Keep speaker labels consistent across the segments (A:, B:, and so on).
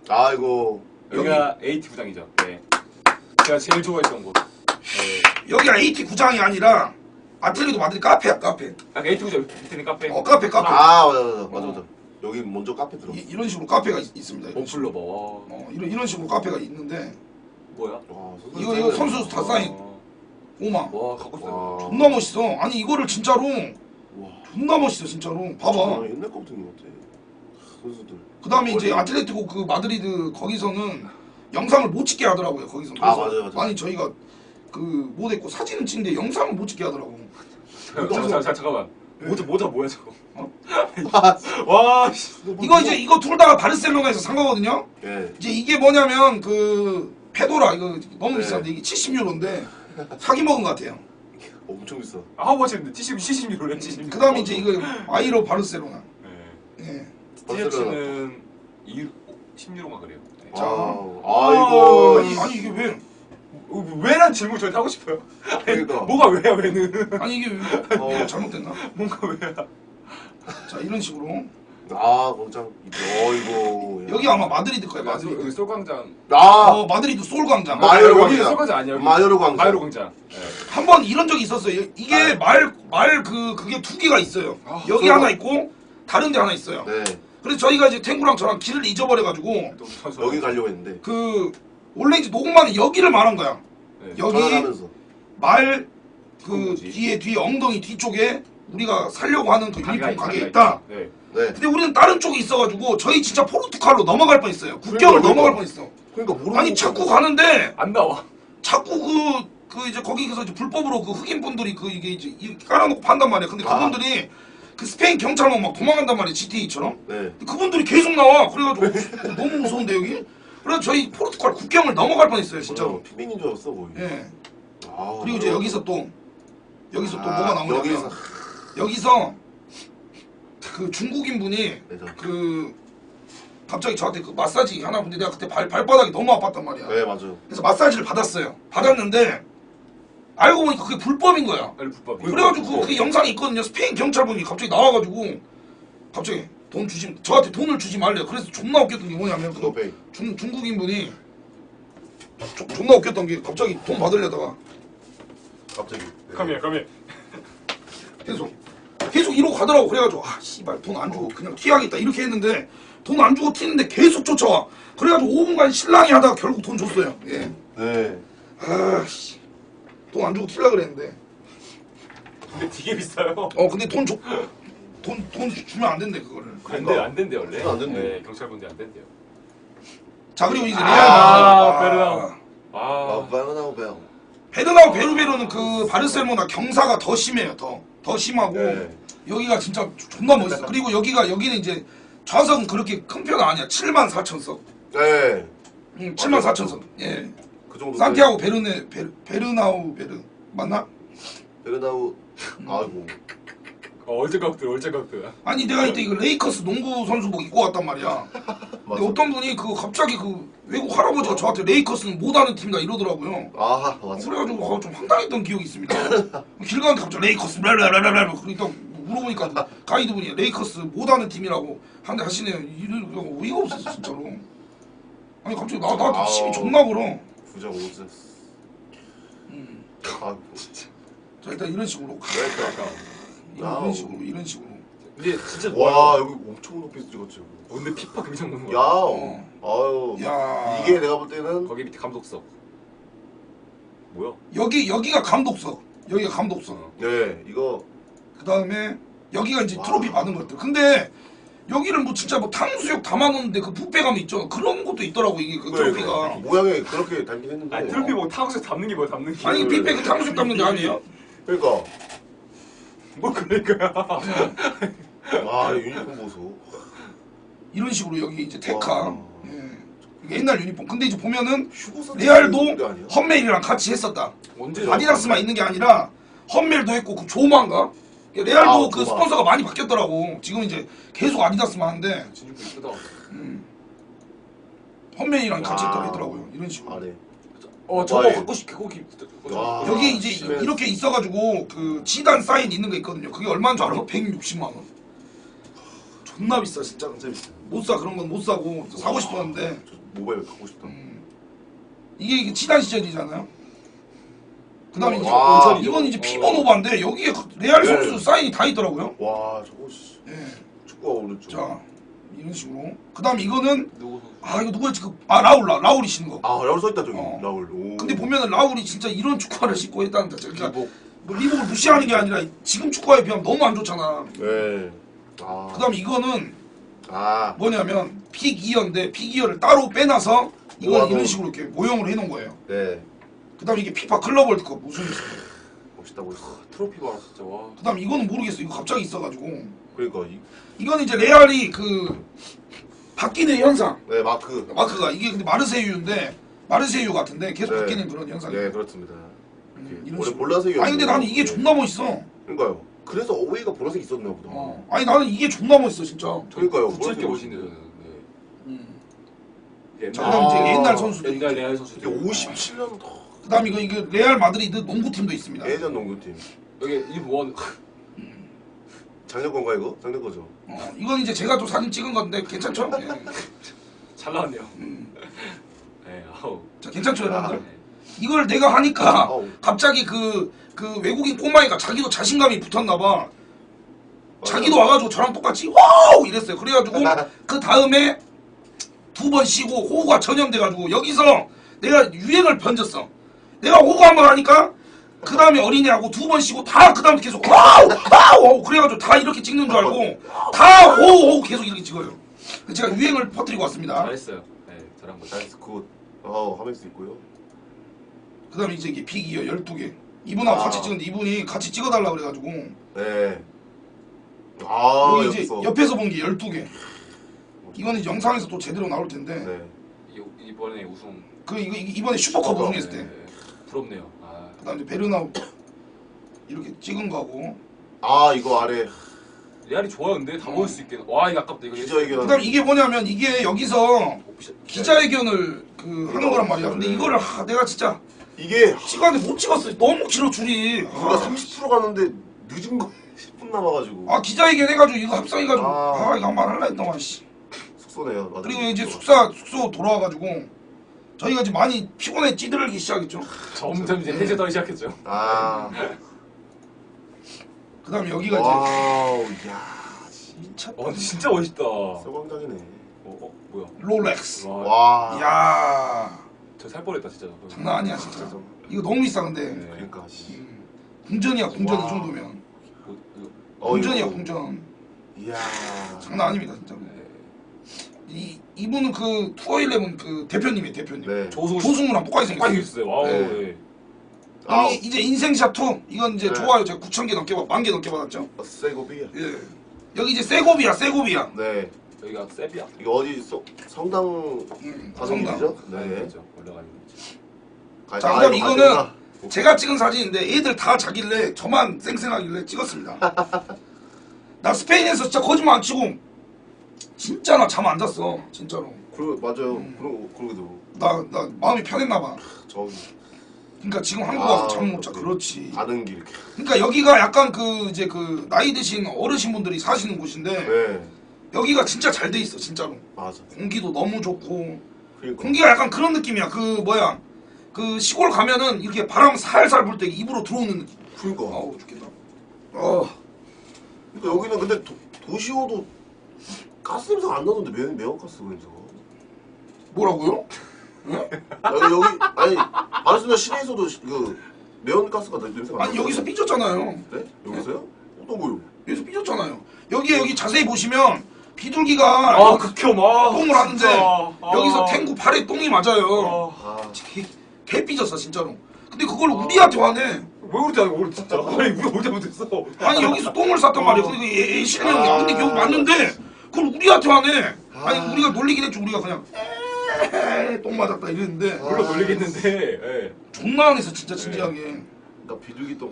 A: 아이고.
B: 여기가 AT 구장이죠. 네. 제가 제일 좋아했던 곳. 네.
C: 여기가 AT 구장이 아니라 아틀레티코 마드리드 카페야 카페.
B: 아, AT 구장 밑에는 카페.
C: 카페.
A: 아 맞아. 여기 먼저 카페 들어.
C: 이런 식으로 카페가 있습니다.
B: 홈플러버.
C: 이런 식으로 카페가 있는데.
B: 뭐야?
C: 이거 선수 다 사인. 오마.
B: 와, 갖고 있어.
C: 존나 멋있어. 아니 이거를 진짜로
A: 와.
C: 존나 멋있어 진짜로. 봐봐.
A: 옛날 거부터 있는 것 같아. 선수들.
C: 그 다음에 이제 아틀레티코 그 마드리드 거기서는 영상을 못 찍게 하더라고요. 거기서.
A: 아 맞아요.
C: 아니 저희가 그 못했고 사진은 찍는데 영상을 못 찍게 하더라고.
B: 잠깐만. 모자 뭐야 저거?
A: 아,
B: 와, 씨.
C: 이거 둘 다 바르셀로나에서 산 거거든요.
A: 예.
C: 이제 이게 뭐냐면 그 페도라 이거 너무
A: 네.
C: 비싼데 이게 70유로인데 사기 먹은 것 같아요.
A: 엄청 비싸.
B: 하우머치인데 70유로래 70.
C: 그 다음에 이제 이거 아이로 바르셀로나.
B: 네.
C: 예.
B: 티셔츠는 10유로가 그래요. 네.
C: 자.
A: 아이고.
C: 아니 이게 왜?
B: 왜란 질문 저한테 하고 싶어요.
A: 그러니까.
B: 뭐가 왜야 왜는?
C: 아니 이게 왜? 잘못됐나?
B: 뭔가 왜야?
C: 자 이런 식으로
A: 아 공장. 어이고.
C: 여기 아마 마드리드 거예요.
B: 여기
C: 마드리드.
B: 솔광장.
A: 아
C: 마드리드 솔 광장.
A: 마요르
B: 여기
A: 광장.
B: 솔광장 아니야? 여기.
A: 마요르 광장.
B: 마요르 광장. 네.
C: 한 번 이런 적이 있었어요. 이게 말 그게 두 개가 있어요. 여기
A: 솔-
C: 하나 있고 다른 데 하나 있어요.
A: 네.
C: 그래서 저희가 이제 탱구랑 저랑 길을 잊어버려가지고
A: 여기 가려고 했는데.
C: 그 원래 이제 녹음만은 여기를 말한 거야.
B: 네.
C: 여기
A: 전화하면서.
C: 말 그
B: 뭐지?
C: 뒤에 엉덩이 뒤쪽에 우리가 살려고 하는 그 유니폼 가게
B: 가게가
C: 있다.
B: 네.
A: 네.
C: 근데 우리는 다른 쪽에 있어가지고 저희 진짜 포르투갈로 넘어갈 뻔했어요. 국경을
A: 그러니까.
C: 넘어갈 뻔했어.
A: 그러니까 모르는.
C: 아니 자꾸 가는데
B: 안 나와.
C: 자꾸 그 이제 거기서 이제 불법으로 그 흑인 분들이 그 이게 이제 이렇게 깔아놓고 판단 말이야. 근데 그분들이 그 스페인 경찰만 막 도망간단 말이야. GTA처럼.
A: 네.
C: 그분들이 계속 나와. 그래가지고 너무 무서운데 여기. 그래서 저희 포르투갈 국경을 넘어갈 뻔했어요 진짜로.
A: 피민인 줄 알았어 거의.
C: 예.
A: 아,
C: 그리고 이제 여기서 또 뭐가 나오냐면 여기서 그 중국인 분이
A: 네,
C: 그 갑자기 저한테 그 마사지 하나 근데 내가 그때 발바닥이 너무 아팠단 말이야.
A: 네 맞아요.
C: 그래서 마사지를 받았어요. 받았는데 알고 보니까 그게 불법인 거야.
B: 아니 불법.
C: 그래가지고 그 영상이 있거든요. 스페인 경찰분이 갑자기 나와가지고 갑자기 저한테 돈을 주지 말래요. 그래서 존나 웃겼던 게 뭐냐면 그 중국인 분이 존나 웃겼던 게 갑자기 돈 받으려다가
A: 갑자기.
B: 카미야.
C: 계속 이러고 가더라고. 그래가지고 아 씨발 돈 안 주고 그냥 튀어야겠다 이렇게 했는데 돈 안 주고 튀는데 계속 쫓아와. 그래가지고 5분간 실랑이 하다가 결국 돈 줬어요. 예.
A: 네.
C: 아씨 돈 안 주고 튀려 그랬는데.
B: 근데 되게 비싸요.
C: 근데 돈 주면 안 된대 그거를.
B: 안 된대 원래.
A: 안 된대.
B: 네, 경찰분들 안 된대요.
C: 자 그리고 이제
B: 베르나우.
C: 베르나우 베르베르는 그 바르셀로나 경사가 더 심해요. 더 심하고
A: 네.
C: 여기가 진짜 존나 멋있어. 그리고 여기는 이제 좌석은 그렇게 큰 편은 아니야. 74,000석.
A: 네.
C: 74,000석. 예.
A: 그 정도.
C: 산티아고 베르나우 맞나?
A: 베르나우. 아이고.
B: 얼짱각들.
C: 아니 내가 이때 이거 레이커스 농구 선수복 입고 왔단 말이야. 근데 어떤 분이 그 갑자기 그 외국 할아버지가 저한테 레이커스는 못하는 팀이다 이러더라고요.
A: 아 맞아.
C: 그래가지고 좀 황당했던 기억이 있습니다. 길 가는데 갑자기 레이커스 랄랄랄랄 그러니까 물어보니까 가이드분이 레이커스 못하는 팀이라고 하시네요. 이런 어이가 없었어 진짜로. 아니 갑자기 나한테 시비 존나 걸어.
A: 부자 오즈. 아 진짜.
C: 자 일단 이런 식으로 이런 식으로.
B: 근데 진짜
A: 와 여기 엄청 높이 찍었지.
B: 근데 피파 금상 넣는
A: 야.
B: 거야.
A: 아유.
C: 야.
A: 이게 내가 볼 때는
B: 거기 밑에 감독석. 뭐야?
C: 여기가 감독석. 여기가 감독석.
A: 네 이거
C: 그 다음에 여기가 이제 트로피 받은 것들. 근데 여기는 뭐 진짜 뭐 탕수육 담아놓는데 그 뷔페감 있죠. 그런 것도 있더라고 이게 그 트로피가.
A: 모양이 그렇게 닮긴 했는데.
B: 아니 트로피 뭐 탕수육 담는 게 뭐야 담는 게.
C: 아니 뷔페 그 탕수육 담는 게 아니에요?
A: 그러니까.
B: 뭐 그러니까요.
A: 와 유니폼 보소.
C: 이런 식으로 여기 이제 테카.
A: 와.
C: 예. 이게 옛날 유니폼. 근데 이제 보면은
A: 휴고
C: 레알도
A: 아니야?
C: 헛멜이랑 같이 했었다.
B: 언제
C: 아디다스만 있는 게 아니라 헛멜도 했고 그 조마인가? 레알도 그
A: 조마.
C: 스폰서가 많이 바뀌었더라고. 지금 이제 계속 아디다스만 하는데
B: 진짜 이쁘다.
C: 헛멜이랑 같이
A: 와.
C: 했다고 하더라고요. 이런 식으로.
A: 아래.
B: 저거
A: 와이.
B: 갖고 싶게 거기.
A: 와.
C: 여기 이제
A: 심해.
C: 이렇게 있어가지고 그 지단 사인 있는 거 있거든요. 그게 얼마인 줄 알아? 160만 원. 존나 비싸 진짜.
A: 진짜 비싸.
C: 못 사 그런 건 못 사고 사고 싶었는데
A: 저 모바일 갖고 싶다.
C: 이게 지단 시절이잖아요. 그다음에 이제
A: 와,
C: 이건 이제 피버노바인데 여기에 레알 선수 사인이 다 있더라고요.
A: 와 저거 씨.
C: 예.
A: 축구가 오른쪽.
C: 자 이런 식으로. 그다음 이거는
B: 누구 선수?
C: 아 이거 누구였지? 라울이 신은 거.
A: 아 라울 써있다 저기.
C: 어.
A: 라울. 오.
C: 근데 보면은 라울이 진짜 이런 축구화를 신고 했다는 자체. 그러니까
B: 리복.
C: 뭐 리복을 무시하는 게 아니라 지금 축구화에 비하면 너무 안 좋잖아.
A: 네. 아.
C: 그다음 이거는
A: 아.
C: 뭐냐면 픽이어인데 픽이어를 따로 빼놔서 이건
A: 모아놓은.
C: 이런 식으로 이렇게 모형을 해놓은 거예요.
A: 네.
C: 그다음 이게 피파 클럽 월드컵 우승했어.
A: 멋있다 멋있어.
B: 트로피 봐라 진짜 와.
C: 그다음 이거는 모르겠어. 이거 갑자기 있어가지고
A: 그러니까
C: 이건 이제 레알이 그 바뀌는 현상.
A: 네 마크.
C: 마크가 이게 근데 마르세유인데 마르세유 같은데 계속
A: 네.
C: 바뀌는 그런 현상이.
A: 네 그렇습니다.
C: 이런
A: 원래
C: 식으로.
A: 볼라색이.
C: 아니 근데 나는 이게 존나 멋있어.
A: 그러니까요. 그래서 어웨이가 보라색 있었나 보다.
C: 아니 나는 이게 존나 멋있어 진짜.
A: 그러니까요.
B: 붙일 게
A: 보라색이
B: 멋있네요. 네.
C: 자 그다음 이제 옛날 선수들.
B: 옛날 레알 선수.
A: 이게 57년
C: 그다음 이거 레알 마드리드 농구팀도 있습니다.
A: 예전 농구팀.
B: 여기 이원
A: 작년 건가 이거? 작년 거죠.
C: 이건 이제 제가 또 사진 찍은 건데 괜찮죠? 예.
B: 잘 나왔네요. 네, 아우.
C: 자 괜찮죠 여러분들?
B: 네.
C: 이걸 내가 하니까
A: 아우.
C: 갑자기 그 외국인 꼬마이가 자기도 자신감이 붙었나봐. 자기도 와가지고 저랑 똑같이 와우 이랬어요. 그래가지고 그 다음에 2번 쉬고 호구가 전염돼가지고 여기서 내가 유행을 번졌어. 내가 호구 한 번 하니까 그 다음에 어린이하고 2번 쉬고 다 그 다음부터 계속 와우 와우 그래가지고 다 이렇게 찍는 줄 알고 다 호우 계속 이렇게 찍어요. 제가 유행을 퍼뜨리고 왔습니다.
B: 잘했어요. 네, 잘한 거죠.
A: 나이스 굿. 하면서 있고요.
C: 그 다음에 이제 이게 픽이요 12개. 이분하고
A: 아.
C: 같이 찍었는데 이분이 같이 찍어달라 그래가지고
A: 네.
C: 여기 이제
A: 여기서.
C: 옆에서 본 게 12개. 이거는 이제 영상에서 또 제대로 나올 텐데
A: 네.
B: 이번에 우승.
C: 이번에 슈퍼컵 우승했을 때.
B: 네, 부럽네요. 아,
C: 그 다음에 베르나우 이렇게 찍은 거고.
A: 이거 아래
B: 레알이 좋아요. 근데 다 먹을 수 있게. 와 이거 아깝다. 이거
A: 기자회견.
C: 그 다음에 이게 뭐냐면 이게 여기서
B: 오피셜-
C: 기자회견을 하는 거란 말이야. 근데 이거를 내가 진짜
A: 이게
C: 찍었는데 못 찍었어. 너무 길어 줄이.
A: 우리가 30% 가는데 늦은 거 10분 남아가지고.
C: 기자회견 해가지고 이거 합성해가지고
A: 아.
C: 이거 한번 할라 했더만 씨.
A: 숙소네요. 맞아요.
C: 그리고 이제 숙소 돌아와가지고 저희가 이제 많이 피곤해 찌들기 시작했죠.
B: 점점 이제 해제 떨기 시작했죠.
C: 그 다음에 여기가
A: 와우, 야,
C: 진짜
B: 진짜 멋있다.
A: 서광장이네.
B: 뭐야?
C: 롤렉스.
B: 와,
A: 와,
C: 야
B: 저 살 뻔했다 진짜.
C: 장난 아니야 진짜. 이거 너무 비싸 근데.
B: 네.
A: 그러니까. 씨.
C: 궁전이야 궁전
A: 와.
C: 이 정도면.
B: 이거-
C: 궁전이야
A: 이거.
C: 궁전.
A: 이야.
C: 장난 아닙니다 진짜.
B: 네.
C: 이분은 그 투어 11 그 대표님이에요 대표님.
A: 네.
C: 조승우랑 똑같이 생겼어요.
B: 있어요. 와우.
A: 네.
B: 네.
C: 여기 이제 인생샷 2 이건 이제
A: 네.
C: 좋아요. 제가 9,000개 넘게 10,000개 넘게 받았죠.
A: 세고비야.
C: 예. 여기 이제 세고비아.
A: 네.
B: 여기가 세비야.
A: 이거 어디 성당
C: 성당.
A: 가정이죠?
B: 네.
A: 네.
B: 그렇죠. 올라가는 거죠.
C: 자, 그다음
A: 이거
C: 이거는
A: 가져가.
C: 제가 찍은 사진인데 애들 다 자길래 저만 쌩쌩하길래 찍었습니다. 나 스페인에서 진짜 거짓말 안 치고 진짜 나 잠 안 잤어 진짜로.
A: 맞아요. 그러게도
C: 나 마음이 편했나 봐.
A: 저기
C: 그러니까 지금 한국 와서 잠 못 자. 그렇지.
A: 가는 길 이렇게.
C: 그러니까 여기가 약간 이제 나이 드신 어르신 분들이 사시는 곳인데
A: 네.
C: 여기가 진짜 잘 돼 있어 진짜로.
A: 맞아.
C: 공기도 너무 좋고
A: 그러니까.
C: 공기가 약간 그런 느낌이야. 시골 가면은 이렇게 바람 살살 불 때 입으로 들어오는 느낌.
A: 그러니까.
C: 아우 죽겠다.
A: 그러니까 여기는 근데 도시오도 가스 냄새가 안 나던데 매운 가스 냄새가.
C: 뭐라고요?
A: 여기 아니 바르셀로나 시내에서도 그 매운 가스가 냄새가 안
C: 아니
A: 나요.
C: 여기서 삐졌잖아요.
A: 네? 여기서요? 어떤 거요?
C: 여기서 삐졌잖아요. 여기 자세히 보시면 비둘기가
B: 극혐.
C: 똥을 하는데
B: 진짜.
C: 여기서 탱구 발에 똥이 맞아요.
A: 아,
C: 개 삐졌어 진짜로. 근데 그걸 우리한테 화내.
B: 왜 그러지 않아? 우리 진짜. 아니 우리가 언제 못했어?
C: 아니 여기서 똥을 쌌단 말이야. 근데 애 실력이 근데 여기 맞는데 그걸 우리한테 화내. 아니 우리가 놀리긴 했죠. 우리가 그냥 똥 맞았다 이랬는데
B: 물론 놀리겠는데. 예.
C: 존나 안 했어 진짜 진지하게.
A: 나 비둘기 또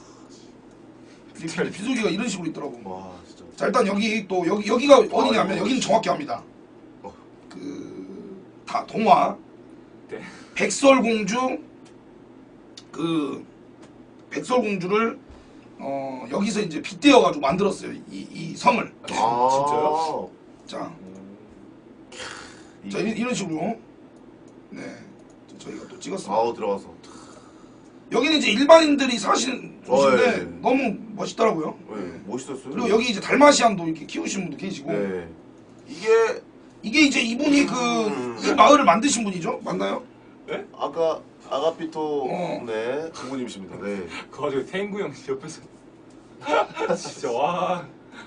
C: 비둘기가 이런 식으로 있더라고.
A: 와 진짜.
C: 자 일단 여기가 어디냐면 여기는 정확히 합니다.
A: 어.
C: 다 동화
B: 네.
C: 백설공주를 여기서 이제 빗대어가지고 만들었어요. 이 성을.
B: 진짜요?
C: 자, 자 이런 식으로. 네, 저희가 또 찍었습니다.
A: 아우 들어가서.
C: 여기는 이제 일반인들이 사시는 곳인데
A: 예.
C: 너무 멋있더라고요.
A: 네, 멋있었어요.
C: 그리고 여기 이제 달마시안도 이렇게 키우시는 분도 계시고.
A: 네.
C: 이게 이제 이분이 이 마을을 만드신 분이죠? 맞나요?
A: 아까 아가피토
C: 어.
A: 네 부모님이십니다. 네.
B: 그거 가지고 탱구 형 옆에서 진짜 와.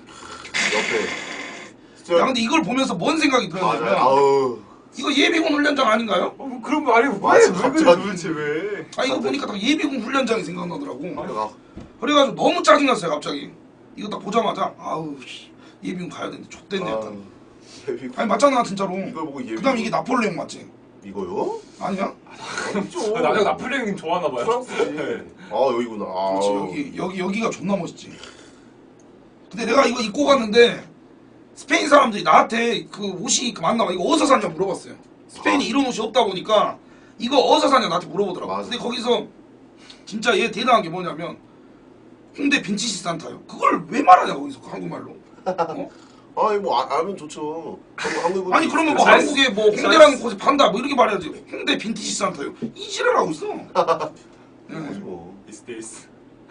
A: 옆에.
C: 야 근데 이걸 보면서 뭔 생각이
A: 맞아요.
C: 들었냐면
A: 아우.
C: 이거 예비군 훈련장 아닌가요?
B: 뭐 그런 거 아니고
A: 맞아,
B: 왜 그래
A: 갑자기.
B: 도대체 왜?
C: 아 이거 보니까 딱 예비군 훈련장이 생각나더라고.
A: 아,
C: 그래가지고 너무 짜증났어요 갑자기. 이거 딱 보자마자 아우 씨, 예비군 가야 되는데 좆됐네 약간.
A: 예비군.
C: 아니 맞잖아 진짜로.
A: 이걸 보고 예비군.
C: 그다음 이게 나폴레옹 맞지?
A: 이거요?
C: 아니야?
A: 아니죠.
B: 나중에 나폴레옹 좋아하나 봐요.
A: 프랑스지. 아 여기구나. 아.
C: 그렇지 여기가 존나 멋있지. 근데 내가 이거 입고 갔는데 스페인 사람들이 나한테 그 옷이 맞나 봐. 이거 어디서 샀냐 물어봤어요. 스페인이 이런 옷이 없다 보니까 이거 어디서 샀냐 나한테 물어보더라고.
A: 맞아.
C: 근데 거기서 진짜 얘 대단한 게 뭐냐면 홍대 빈티지 산타요. 그걸 왜 말하냐 거기서 한국말로. 어?
A: 아니 뭐 알면 좋죠. 한국
C: 아니 그러면 뭐
B: 사이즈-
C: 한국에 뭐 홍대라는 곳에 판다 뭐 이렇게 말해야지. 홍대 빈티지 산타요. 이지랄 하고 있어. 네.
A: 뭐.
B: Is this?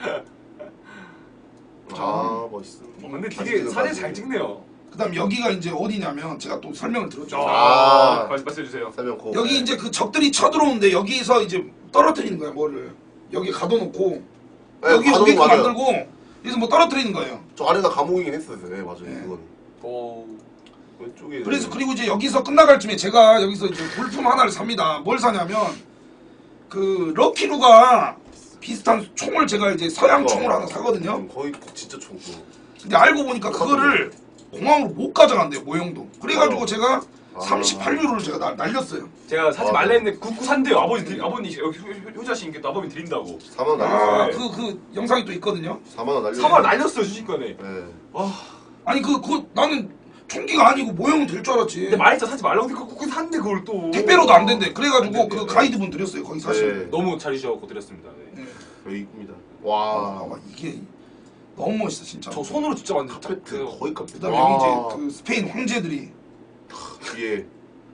A: 아 멋있어.
B: 근데 되게 사진 잘 찍네요.
C: 그다음 여기가 이제 어디냐면 제가 또 설명을 들었죠.
A: 아.
B: 말씀해 주세요.
A: 설명 고.
C: 여기 이제 그 적들이 쳐들어오는데 여기서 이제 떨어뜨리는 거야 뭐를 여기 가둬놓고
A: 네,
C: 여기
A: 가둬놓고
C: 오게끔
A: 맞아요.
C: 만들고 여기서 뭐 떨어뜨리는 거예요.
A: 저 아래가 감옥이긴 했어요. 네 맞아요.
C: 네.
A: 그건
B: 오.
A: 왼쪽에.
C: 그래서 그리고 이제 여기서 끝나갈 쯤에 제가 여기서 이제 볼품 하나를 삽니다. 뭘 사냐면 그 럭키루가 비슷한 총을 제가 이제 서양 총을 하나 사거든요.
A: 거의 진짜 총.
C: 근데 알고 보니까 그거를 공항으로 못 가져간대요 모형도. 그래가지고
A: 맞아.
C: 제가
A: 아.
C: 38유로를 제가 날렸어요.
B: 제가 사지
A: 아,
B: 말라
A: 네.
B: 했는데 굽고 산대요. 아버님 여기 효자씨님께 또 아버님 드린다고.
A: 4만 원
C: 아
A: 날렸어요.
C: 그 영상이 또 있거든요.
A: 4만 원 날렸어요.
B: 사발 날렸어요 순식간에.
A: 네.
B: 와.
C: 아니 그 나는 총기가 아니고 모형은 될 줄 알았지.
B: 근데 말했잖아 사지 말라고 근데 굽고 산대 그걸 또.
C: 택배로도 안 된대. 그래가지고
B: 안 된대요.
C: 그 가이드분 드렸어요. 거기 사실.
A: 네.
B: 너무 잘 주셔서 드렸습니다. 네.
C: 네.
A: 여기입니다.
C: 아,
A: 와.
C: 봐봐 이게 너무 멋있어 진짜.
B: 저 손으로 직접 만든
A: 카페트 거의 카페트.
C: 그다음에 여기 이제 그 스페인 황제들이
A: 뒤에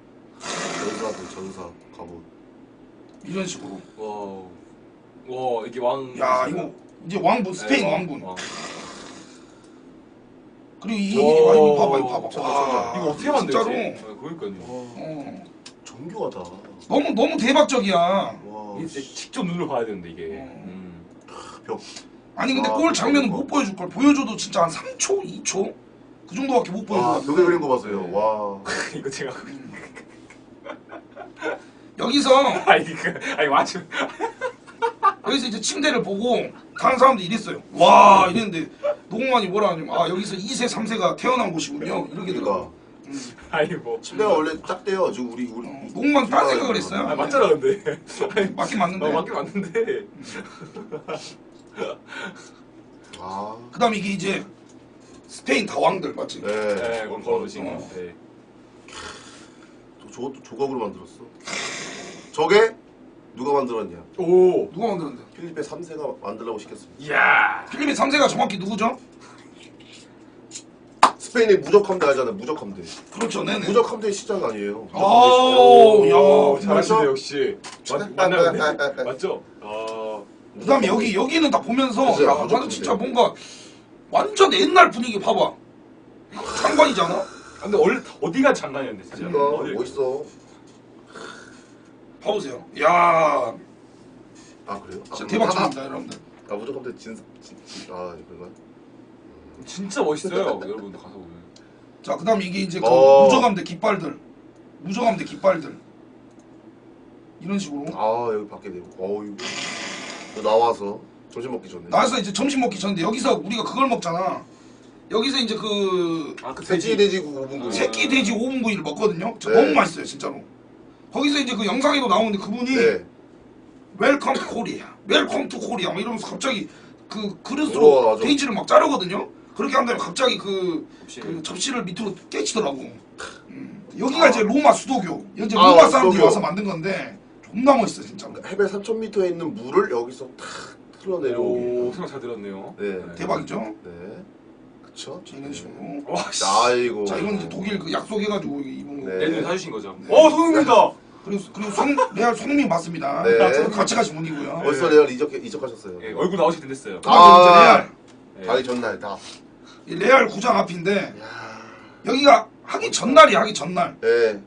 A: 전사 갑옷.
C: 이런 식으로.
B: 와 이게 왕.
C: 야 이거 이제 왕분 스페인
B: 네,
C: 왕분.
B: 왕.
C: 그리고 이
B: 오.
C: 이거 봐봐 이거 봐봐.
A: 와,
B: 이거 어떻게 만들지?
C: 진짜로.
B: 네, 그러니까요.
C: 어.
A: 정교하다.
C: 너무 대박적이야.
A: 와.
B: 이게 진짜 직접 눈으로 봐야 되는데 이게.
A: 벽.
C: 아니 근데
A: 아,
C: 골 장면은
A: 그거.
C: 못 보여줄 걸. 보여줘도 진짜 한 3초, 2초 그 정도밖에 못
A: 와
C: 보여줘.
A: 벽에 그린 거 봤어요. 와.
B: 이거 제가
C: 여기서
B: 아니 맞죠.
C: 여기서 이제 침대를 보고 다른 사람들이 이랬어요. 와 이랬는데 노공만이 뭐라 하냐면 아 여기서 2세, 3세가 태어난 곳이군요. 이렇게
A: 그러니까
C: 들어.
B: 아니 뭐.
A: 침대가 원래 작대요. 지금 우리
C: 노공만 딴 생각을 했어요.
B: 아 맞잖아 근데.
C: 맞긴 맞는데.
B: 맞긴 맞는데.
A: 아.
C: 그다음에 이게 이제 스페인 다왕들 맞지?
A: 네.
B: 네, 그건 걸어보신 거.
C: 어.
B: 네.
A: 저것도 조각으로 만들었어. 저게 누가 만들었냐?
B: 오.
C: 누가 만들었는데?
A: 필리핀 3세가 만들라고 시켰습니다.
B: 이야.
C: 필리핀 3세가 정확히 누구죠?
A: 스페인의 무적함대 알잖아요. 무적함대.
C: 그렇죠, 네네.
A: 무적함대의 시작 아니에요.
C: 아우, 야.
B: 잘하시네
A: 맞죠?
B: 역시. 맞나요? 맞죠?
C: 그다음에 여기는 다 보면서
A: 그죠,
C: 야,
A: 무조건
C: 나는 진짜
A: 그래요.
C: 뭔가 완전 옛날 분위기 봐봐. 상관이잖아.
B: 근데 원래 어디가 장난이었는데 진짜.
A: 그러니까
B: 어디-
A: 멋있어.
C: 봐보세요. 야,
A: 아 그래요?
C: 진짜 대박입니다, 여러분들.
A: 아 무적함대 아 그런가?
B: 진짜 멋있어요 여러분들 가서 보면.
C: 자, 그다음에 이게 이제 그
A: 어.
C: 무저감대 깃발들, 무저감대 깃발들 이런 식으로
A: 아 여기 밖에 내고. 이거 나와서 점심 먹기 전에.
C: 나와서 이제 점심 먹기 전인데 여기서 우리가 그걸 먹잖아. 여기서 이제 그
B: 그
A: 돼지고 5분구.
C: 새끼 돼지 5분 구이를 먹거든요. 진짜
A: 네.
C: 너무 맛있어요, 진짜로. 거기서 이제 그 영상에도 나오는데 그분이
A: 네.
C: 웰컴 투 코리아, 웰컴 투 코리아 막 이러면서 갑자기 그
A: 우와,
C: 그릇으로
A: 맞아.
C: 돼지를 막 자르거든요. 그렇게 한 다음에 갑자기 그 접시를 밑으로 깨치더라고. 여기가 이제 로마 수도교. 이제
A: 아,
C: 로마 사람들이
A: 수도교.
C: 와서 만든 건데 존나 멋있어 진짜.
A: 해발 3,000m에 있는 물을 여기서 탁 틀어
B: 오
A: 내려오기.
B: 생각 잘 들었네요.
A: 네.
C: 대박이죠.
A: 네. 그쵸?
C: 자, 이런 식으로.
B: 와 씨.
A: 아이고.
C: 자, 이건 이제 독일 그 약속해가지고 입은 거.
A: 네.
B: 내년에 사주신 거죠. 손흥민이다.
C: 그리고 레알 손흥민 맞습니다.
A: 네.
C: 저는 같이 가신 분이고요.
A: 벌써 레알 이적하셨어요.
B: 예, 얼굴 나오실 때 됐어요.
C: 그다음에 이제 레알.
B: 예.
A: 가기 전날 다.
C: 이 레알 구장 앞인데
A: 야.
C: 여기가 하기 전날이야, 하기 전날.
A: 네.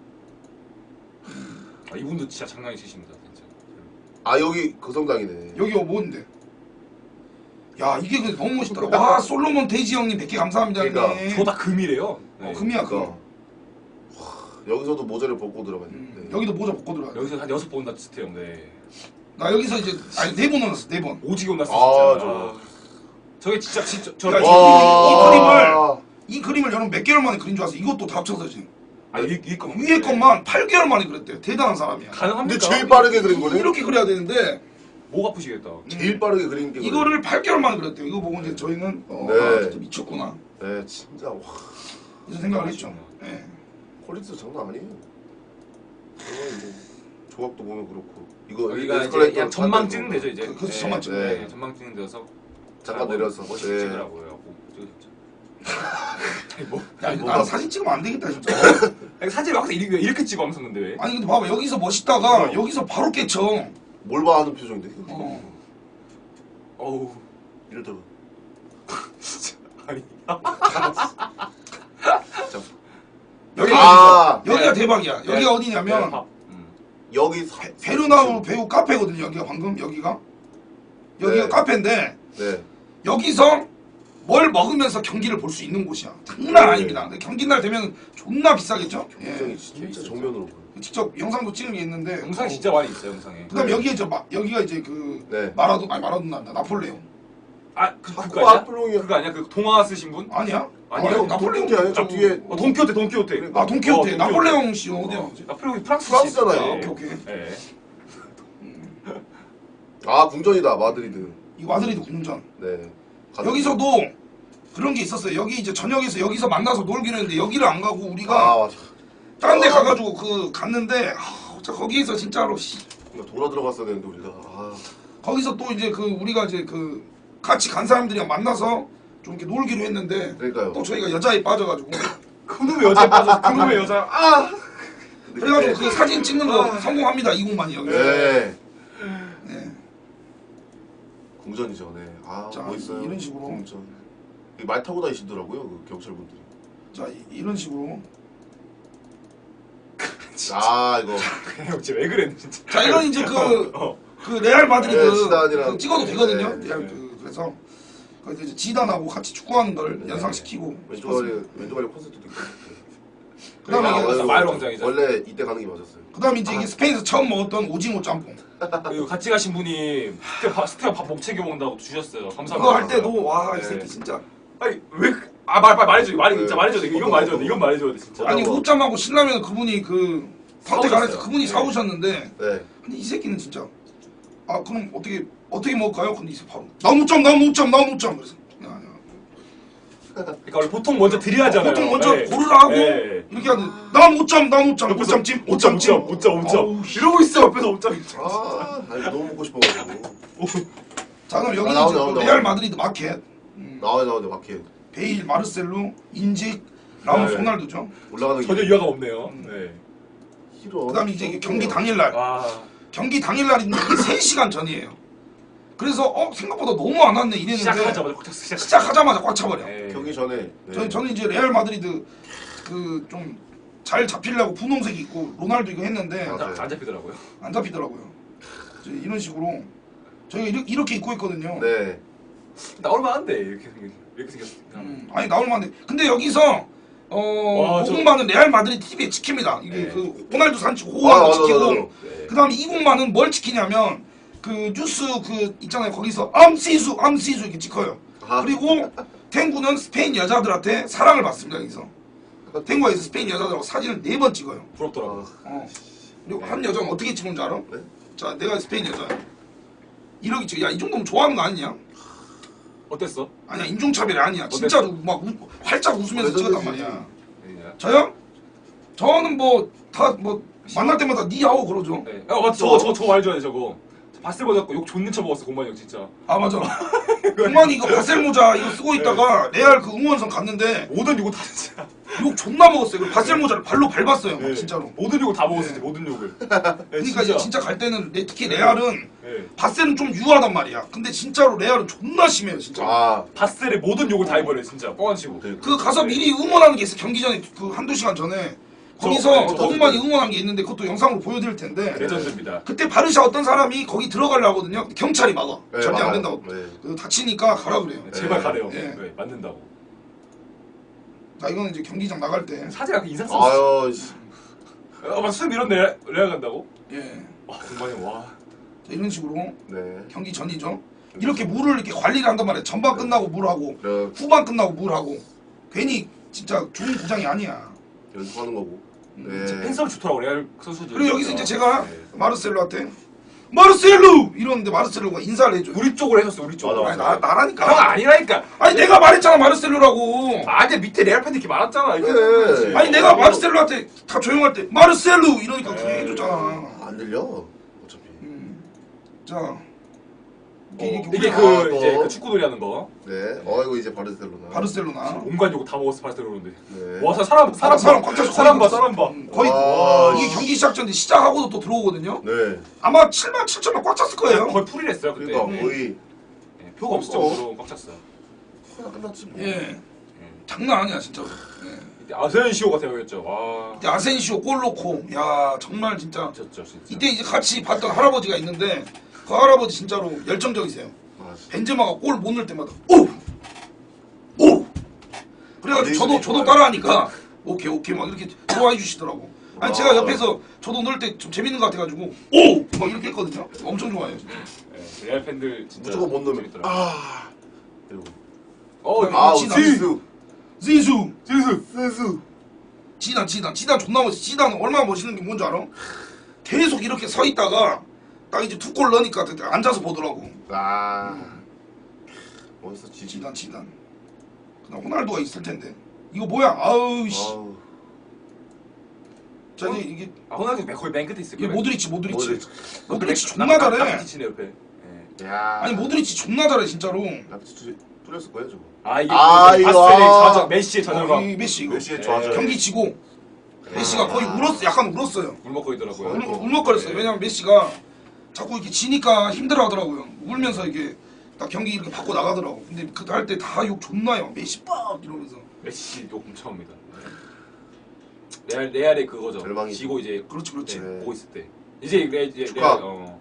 B: 아, 이분도 진짜 장난 있으십니다, 진짜.
A: 아 여기 거성당이네.
C: 여기가 뭔데? 야, 이게 근데 너무 멋있더라. 와, 솔로몬 돼지 형님 100개 감사합니다.
A: 그러니까,
C: 형님.
B: 저다 금이래요. 네.
C: 금이야, 금.
A: 그러니까. 와, 여기서도 모자를 벗고 들어갔는데.
C: 여기도 모자 벗고 들어가.
B: 여기서 한 6번 온다 스테요. 네.
C: 나 여기서 이제 아니 4번 올랐어, 4번.
B: 오지게 온다
A: 아,
B: 진짜.
A: 저거.
B: 저게 진짜 저
C: 야,
A: 와.
C: 이 그림을 여러분 몇 개월 만에 그린 줄 알았어. 이것도 다 합쳐서 지금.
B: 아, 위에 거
C: 위에 것만 8개월 만에 그렸대요. 대단한 사람이야.
B: 가능합니까?
A: 근데 제일 빠르게 그린 거네.
C: 이렇게 그려야 되는데
B: 목 아프시겠다.
A: 제일 빠르게 그린 게.
C: 이거를 8개월 만에 그렸대요. 이거 보고 이제 저희는
A: 네.
C: 아, 진짜 미쳤구나.
A: 네, 진짜 와.
C: 이런 생각을 했죠. 네.
A: 퀄리티 장난 아니에요. 정말 뭐 조각도 보면 그렇고. 이거
B: 여기가 이제
A: 에스컬레이터
B: 그냥 전망
A: 타는
B: 찍는
A: 거.
B: 데죠 이제.
C: 그렇지, 전망 찍는
A: 데.
B: 네, 전망 찍는 데서
A: 잠깐 내려서.
B: 멋있게
A: 네.
B: 찍으라고요. 아니, 뭐
C: 야,
A: 뭐가-
C: 나는 사진 찍으면 안 되겠다 진짜.
B: 아니, 사진 막 이렇게 찍어 항상 근데 왜?
C: 아니 근데 봐봐 여기서 멋있다가 여기서 바로 깨쳐.
A: 뭘 봐 하는 표정인데.
C: 어.
B: 어우
A: 이러다가.
B: 진짜 아니.
A: 자,
C: 여기가
A: 아.
C: 여기가
B: 네.
C: 대박이야. 여기가
B: 네,
C: 어디냐면
B: 밥.
A: 여기
C: 베르나우 배우 카페거든요. 여기가 방금 여기가
A: 네.
C: 카페인데
A: 네.
C: 여기서 뭘 먹으면서 경기를 볼 수 있는 곳이야. 장난 아닙니다. 근데 경기 날 되면 존나 비싸겠죠?
A: 굉장히
C: 예.
A: 진짜 정면으로 보여.
C: 직접 영상도 찍은 게 있는데.
B: 영상 진짜 많이 있어요 영상에.
C: 그다음
A: 네.
C: 여기에 여기가 이제 그
A: 네.
C: 마라도나다 나폴레옹.
B: 그거
A: 자꾸
B: 아니야?
A: 아플롱이야.
B: 그거 아니야? 그 동화 쓰신 분?
C: 아니야?
B: 아니야,
C: 아, 나폴레옹
A: 게 아니야? 저 뒤에
B: 돈키호테.
C: 아 돈키호테.
B: 어,
C: 나폴레옹 씨 어디야?
B: 나폴레옹이 프랑스
A: 프랑스잖아요.
B: 씨.
C: 오케이.
B: 예.
A: 아 궁전이다 마드리드.
C: 이 마드리드 궁전.
A: 네.
C: 여기서도 그런 게 있었어요. 여기 이제 저녁에서 여기서 만나서 놀기로 했는데 여기를 안 가고
A: 아
C: 우리가
A: 맞아.
C: 다른 데 가가지고 갔는데 거기서 진짜로
A: 돌아 들어갔어야 되는데 우리가. 아.
C: 거기서 또 이제 우리가 이제 같이 간 사람들이랑 만나서 좀 이렇게 놀기로 했는데
A: 그러니까요.
C: 또 저희가 여자에 빠져가지고
B: 그놈의 여자에 빠져. 그놈의 여자. 아.
C: 그래가지고 그 사진 찍는 거 성공합니다. 이곳만이 여기서.
A: 네.
C: 네.
A: 궁전이죠. 네. 아
C: 자,
A: 멋있어요.
C: 이런 식으로.
A: 궁전. 말 타고 다니시더라고요 그 경찰분들이.
C: 자 이런 식으로.
A: 아 이거.
B: 형 진짜 왜 그래 진짜.
C: 자 이건 이제
B: 어.
C: 그 레알 마드리드
A: 네, 지단이랑.
C: 찍어도 되거든요.
A: 네,
C: 레알
A: 네.
C: 그래서 거기서 이제 지단하고 같이 축구하는 걸 연상시키고.
A: 왼쪽 아래 콘서트도 있고.
C: 그다음에
B: 아,
C: 이게
B: 맞아. 마을 왕장이죠.
A: 원래 이때 가는 게 맞았어요.
C: 그다음에 이제 이게 스페인에서 처음 먹었던 오징어 짬뽕.
B: 그리고 같이 가신 분이 스테가 밥 못 챙겨 먹는다고 주셨어요. 감사합니다.
C: 이거 할 때도 와 이
B: 네.
C: 새끼 진짜.
B: 아니 왜? 말해줘. 진짜 말해줘야 돼. 이건 말해줘야 돼. 이건 말해줘야 돼 진짜.
C: 아니 옷짬하고 신라면 그분이 선택 안 해서
B: 사오셨어요.
C: 그분이
B: 네.
C: 사오셨는데
A: 네.
C: 근데 이 새끼는 진짜 아 그럼 어떻게 먹을까요? 근데 이제 바로 나무 짬 그래서
B: 그러니까 원래 보통 먼저 드려야 하잖아요.
C: 보통 먼저
B: 네.
C: 고르라 하고
B: 네.
C: 이렇게 하는데 나무짬 오짬찜
B: 이러고 있어 옆에서 옷장.
A: 아 아니, 너무 먹고 싶어가지고.
C: 자 그럼 여기는
A: 나오네,
C: 이제
A: 나오네.
C: 레알 마드리드 마켓
A: 나와요 마켓.
C: 베일 마르셀로 인직 라모스
B: 네.
C: 호날두죠.
A: 올라가는
B: 전혀
A: 길에.
B: 이해가 없네요. 네.
A: 싫어.
C: 그다음에 이제 이게 경기 당일날
B: 아.
C: 경기 당일날인데 이게 3시간 전이에요. 그래서 생각보다 너무 안 왔네 이랬는데
B: 시작하자마자 꽉 찼어.
C: 시작하자마자 꽉 차버려.
B: 네.
A: 경기 전에. 네.
C: 저는 이제 레알 마드리드 좀 잘 잡히려고 분홍색 입고 로날두 이거 했는데
A: 맞아요.
B: 안 잡히더라고요.
C: 안 잡히더라고요. 이제 이런 식으로 저희가 이렇게 입고 있거든요.
A: 네.
B: 나올만 한데 이렇게 생겼어.
C: 아니 나올 만해. 근데 여기서
B: 와,
C: 이곳만은 레알 마드리드 TV에 찍힙니다. 이게
B: 네.
C: 그 호날두 산치고 호날두
A: 맞아,
C: 찍히고
A: 맞아.
B: 네.
C: 그다음에 이곳만은 뭘 찍히냐면 그 뉴스 있잖아요. 거기서 암시수 이렇게 찍혀요.
A: 아.
C: 그리고 탱구는 스페인 여자들한테 사랑을 받습니다. 여기서 탱구에서 스페인 여자들하고 사진을 4번 찍어요.
B: 부럽더라고.
C: 그리고 한 여자는 어떻게 찍은 줄 알아?
A: 네?
C: 자, 내가 스페인 여자야. 이렇게 찍어. 야, 이 정도면 좋아하는 거 아니냐?
B: 어땠어?
C: 아니야, 인종차별이 아니야. 진짜로 막 활짝 웃으면서 찍었단 말이야. 저요? 저는 다 만날 때마다 니하오 그러죠.
B: 네. 맞죠. 저거 알죠, 저거. 바셀보다 욕 존나 쳐먹었어 공만이 형 진짜.
C: 아 맞아. 공만이 이거 바셀 모자 이거 쓰고 있다가 레알 그 응원선 갔는데
B: 모든 욕을 다 진짜.
C: 욕 존나 먹었어요. 그 바셀 모자를 발로 밟았어요. 막
B: 네.
C: 진짜로.
B: 모든 욕을 다 먹었어 진짜 모든 욕을. 네,
C: 그러니까 이제 진짜 갈 때는 특히 레알은
B: 네.
C: 바셀은 좀 유하단 말이야. 근데 진짜로 레알은 존나 심해요 진짜.
A: 아
B: 바셀의 모든 욕을 다 해버려 진짜 뻥안치고.
C: 그 가서 미리 응원하는 게 있어. 경기 전에 그 한두 시간 전에 거기서
B: 저
C: 너무많이 응원한 게 있는데 그것도 영상으로 보여드릴 텐데
B: 레전드입니다.
C: 그때 바르샤 어떤 사람이 거기 들어가려 하거든요. 경찰이 막아.
A: 네,
C: 절대 안
A: 막아요.
C: 된다고.
A: 네.
C: 그 다치니까 가라 그래요.
B: 제발
A: 네.
B: 가래요.
C: 네.
B: 네, 맞는다고.
C: 자 이거는 이제 경기장 나갈 때.
B: 사제가 그 인상 썼어.
A: 아유 씨.
B: 막 수염 이런 레알 간다고?
C: 예.
B: 와 공만이 와.
C: 자, 이런 식으로
A: 네.
C: 경기 전이죠. 이렇게 물을 이렇게 관리를 한단 말이에요. 전반 끝나고 물하고
A: 네.
C: 후반 끝나고 물하고 괜히 진짜 좋은 구장이 아니야.
A: 연습하는 거고. 네.
B: 팬서울 좋더라고 레알 선수들.
C: 그리고 여기서 이제 제가
B: 네.
C: 마르셀로한테 마르셀로 이러는데 마르셀로가 인사를 해줘요.
B: 우리 쪽으로 해줬어 우리 쪽으로.
A: 맞아,
C: 아니 나라니까.
B: 형 아니라니까.
C: 아니 내가 말했잖아 마르셀로라고.
B: 아니 밑에 레알 팬들 이렇게 많았잖아. 이렇게.
A: 그래.
C: 아니 내가 마르셀로한테 다 조용할 때 마르셀로 이러니까 그게
B: 에이.
C: 해줬잖아.
A: 안 들려. 어차피.
C: 자
A: 이게
B: 이게
A: 아,
B: 그
A: 또.
B: 이제 그 축구놀이 하는 거.
A: 네. 어이구 이제 바르셀로나.
C: 바르셀로나
B: 온갖 욕 다 먹었어 바르셀로나인데.
A: 네.
B: 와 사람
C: 사람 꽉 찼어.
B: 사람 봐 사람 봐.
C: 거의
A: 와,
C: 이게 경기 시작 전에 시작하고도 또 들어오거든요.
A: 네.
C: 아마 7만 7천만 꽉 찼을 거예요.
B: 거의 풀이랬어요 그때.
A: 그러니까 거의
B: 네, 표가 없을 정도로 꽉 찼어요.
A: 하나 끝났지 뭐.
C: 예, 장난 아니야 진짜로. 예.
B: 이때 아센시오가 되어있죠. 와.
C: 이때 아센시오 골 넣고 야 정말 진짜
B: 미쳤죠 진짜.
C: 이때 이제 같이 봤던 할아버지가 있는데 그 할아버지 진짜로 열정적이세요.
A: 아,
C: 벤제마가 골 못 넣을 때마다 오! 오! 그래가지고 저도 따라하니까 오케이 막 이렇게 좋아해 주시더라고. 아니 제가 옆에서 저도 넣을 때 좀 재밌는 것 같아가지고 오! 막 이렇게 했거든요. 엄청 좋아해요. 진짜.
B: 네, 레알 팬들 진짜
A: 무조건 못 넣으면
B: 재밌더라고요.
A: 아. 이러고.
C: 아,
A: 지수.
C: 지수!
A: 지수.
C: 지단 존나 멋있어. 지단 얼마나 멋있는 게 뭔지 알아? 계속 이렇게 서 있다가 딱 이제 두 골 넣으니까 앉아서 보더라고.
A: 아. 멋있어 지수.
C: 지단. 그다음 호날두가 있을 텐데. 이거 뭐야? 아우 씨.
A: 아우.
C: 자 이제 이게
B: 아 호날두 거의 맨 끝에 있을
C: 이게
B: 거예요.
C: 모드리치 존나 잘해.
B: 라키티치네 옆에. 네.
A: 야.
C: 아니 모드리치 존나 잘해 진짜로.
A: 라피치 뚫렸을 거예요 저거.
B: 아 이게
A: 아,
B: 그
A: 이거.
B: 바셀의 좌절 메시의 좌절감.
C: 이 메시 이거.
A: 메시의 좌절.
C: 경기 지고 메시가 거의 약간 울었어요.
B: 울먹고 있더라고요.
C: 울먹거렸어요. 왜냐면 메시가 자꾸 이렇게 지니까 힘들어하더라고요. 울면서 이게 딱 경기 이렇게 받고 나가더라고. 근데 그때 할 때 다 욕 존나요. 메시 빡 이러면서.
B: 메시 욕 엄청 합니다. 레알의 그거죠.
A: 절망이죠.
B: 지고 이제
C: 그렇지.
B: 네, 보고 있을 때 이제
A: 축하.
B: 레알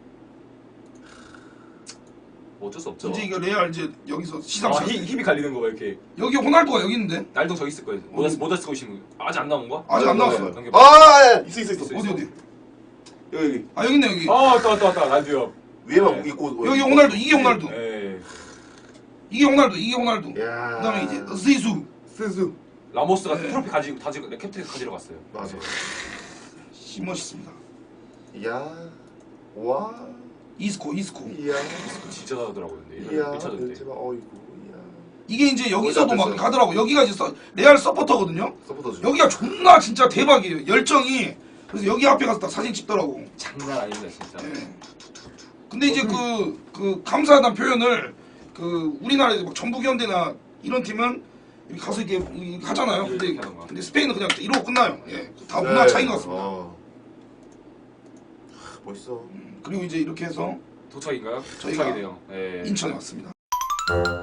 B: 어쩔 수 없죠.
C: 이제 이거 레알 이제 여기서 시상.
B: 힘이 갈리는 거 봐 이렇게.
C: 여기 호날두가 여기 있는데.
B: 날도 저기 있을 거예요. 모자 쓰고 계시면 아직 안 나온 거야?
C: 아직 안 나왔어요.
B: 넘겨봐.
A: 아, 있어.
C: 어디?
A: 여기.
C: 아 여기 있네 여기.
B: 아 왔다 날도요.
A: 위에만
B: 네.
A: 있고.
C: 여기 호날두 이게 호날두.
B: 예.
C: 이게 호날두.
A: 야.
C: 그다음에 이제 지수.
A: 스스.
B: 라모스가
C: 네.
B: 트로피 가지고 캡틴 가지러 갔어요.
A: 맞아.
C: 씨 멋있습니다.
A: 야. 와.
C: 이스코.
A: 이야.
B: 진짜 잘하더라고요. 근데
A: 이야.
B: 미쳐졌대.
A: 벤제마 어이구. 이야.
C: 이게 이제 여기서도 막
A: 됐어요.
C: 하더라고. 여기가 이제 레알 서포터거든요.
A: 서포터죠.
C: 여기가 존나 진짜 대박이에요. 열정이. 그래서 여기 앞에 가서 딱 사진 찍더라고.
B: 장난 아닙니다 진짜.
C: 예. 근데 이제 그 감사하다는 표현을 그 우리나라에서 막 전북현대나 이런 팀은 이렇게 가서 이렇게 하잖아요.
B: 이렇게 하는 거야.
C: 근데 스페인은 그냥 이러고 끝나요. 예. 다 문화 차이인 것 같습니다.
A: 멋있어.
C: 그리고 이제 이렇게 해서
B: 도착인가요?
C: 저희가
B: 도착이네요. 예.
C: 인천에 왔습니다.